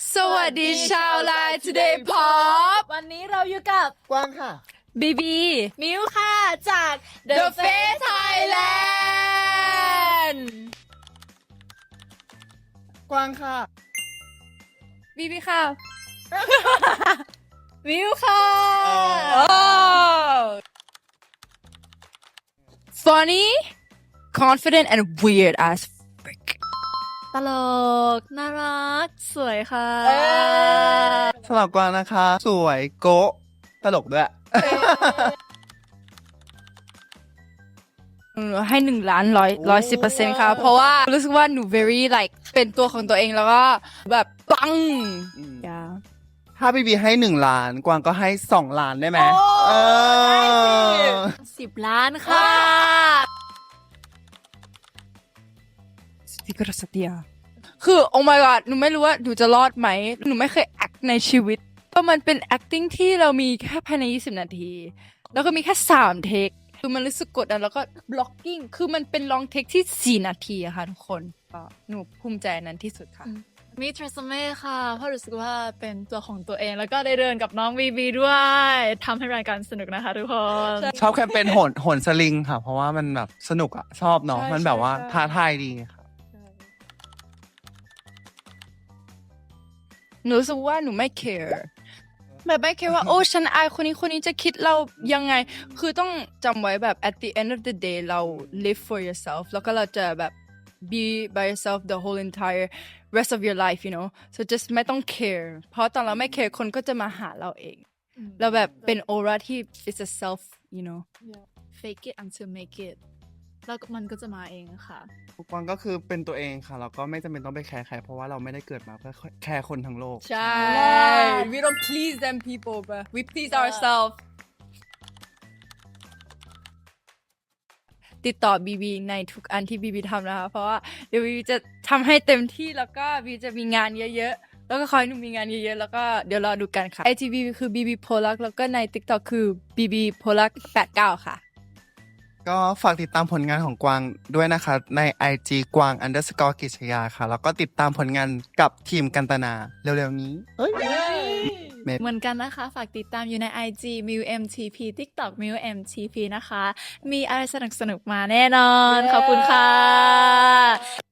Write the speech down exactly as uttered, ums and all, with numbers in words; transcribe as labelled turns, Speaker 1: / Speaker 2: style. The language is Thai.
Speaker 1: สวัสดีชาวไลน์ Today Pop
Speaker 2: วันนี้เราอยู่กับ
Speaker 3: กว้างค่ะ
Speaker 1: บีบี
Speaker 2: มิวค่ะจาก
Speaker 1: The Face Thailand
Speaker 3: กว้างค่ะ
Speaker 1: บีบีค่ะ มิวค่ะ
Speaker 3: อ๋อ
Speaker 1: Funny confident and weird as frick
Speaker 2: ตลก น่ารัก สวยค่ะ
Speaker 3: สำหรับกวางนะคะ สวยโกะตลกด้วย
Speaker 1: หนูให้หนึ่งล้านร้อยร้อยสิบเปอร์เซ็นต์ค่ะ เพราะว่ารู้สึกว่าหนู very like เป็นตัวของตัวเองแล้วก็แบบปัง
Speaker 3: อืม
Speaker 1: อย่า
Speaker 3: ถ้าบีบีให้หนึ่งล้าน กวางก็ให้สองล้านได้ไหมเออ
Speaker 2: สิบล้านค่ะ
Speaker 1: สติกรสติยาคือ oh my god หนูไม่รู้ว่าหนูจะรอดไหม หนูไม่เคย act ในชีวิตเพราะมันเป็น acting ที่เรามีแค่ภายในยี่สิบนาที แล้วก็มีแค่สามเทค คือมันรู้สึกกดดันแล้วก็ blocking คือมันเป็น long take ที่สี่นาทีอะค่ะทุกคนก็หนูภูมิใจนั้นที่สุดค่ะ
Speaker 2: มีทรัสเม่ค่ะ เพราะรู้สึกว่าเป็นตัวของตัวเอง แล้วก็ได้เดินกับน้องบีบีด้วยทำให้รายการสนุกนะคะทุกคน
Speaker 3: ชอบแคมเปญโหนโหนสลิงค่ะ เพราะว่ามันแบบสนุกอ่ะ ชอบเนาะ
Speaker 1: ใช่
Speaker 3: มันแบบว่า
Speaker 1: ใช่
Speaker 3: ท้าทายดีค่ะ
Speaker 1: หนูรู้สึกว่าหนูไม่ care แบบไม่ care ว่า โอ้ฉันอายคนนี้คนนี้จะคิดเรายังไง คือต้องจำไว้แบบ at the end of the day เรา live for yourself แล้วก็เราจะแบบ be by yourself the whole entire rest of your life you know so just ไม่ต้อง care เพราะตอนเราไม่ care คนก็จะมาหาเราเอง เราแบบเป็น aura ที่ is a self you know
Speaker 2: fake it until make it แล้วมันก็จะมาเองค่ะ
Speaker 3: กวางก็คือเป็นตัวเองค่ะ แล้วก็ไม่จำเป็นต้องไปแคร์ใคร เพราะว่าเราไม่ได้เกิดมาเพื่อแคร์คนทั้งโลก
Speaker 1: ใช่ we don't please them people but we please ourselves ติดต่อบีบีในทุกอันที่บีบีทำนะคะ เพราะว่าเดี๋ยวบีบีจะทำให้เต็มที่แล้วก็บีจะมีงานเยอะๆ แล้วก็คอยหนูมีงานเยอะๆ แล้วก็เดี๋ยวรอดูกันค่ะ ไอ จี บี คือ บี บี Polak แล้วก็ใน TikTok คือ บี บี Polak แปดเก้าค่ะ
Speaker 3: ก็ฝากติดตามผลงานของกวางด้วยนะคะ ใน ไอ จี กวาง underscore กิจยาค่ะ แล้วก็ติดตามผลงานกับทีมกันตนา เร็วๆนี้เฮ้ย
Speaker 2: เหมือนกันนะคะ ฝากติดตามอยู่ใน ไอ จี มิว เอ็ม ที พี TikTok มิว เอ็ม ที พี นะคะ มีอะไรสนุกๆ มาแน่นอน ขอบคุณค่ะ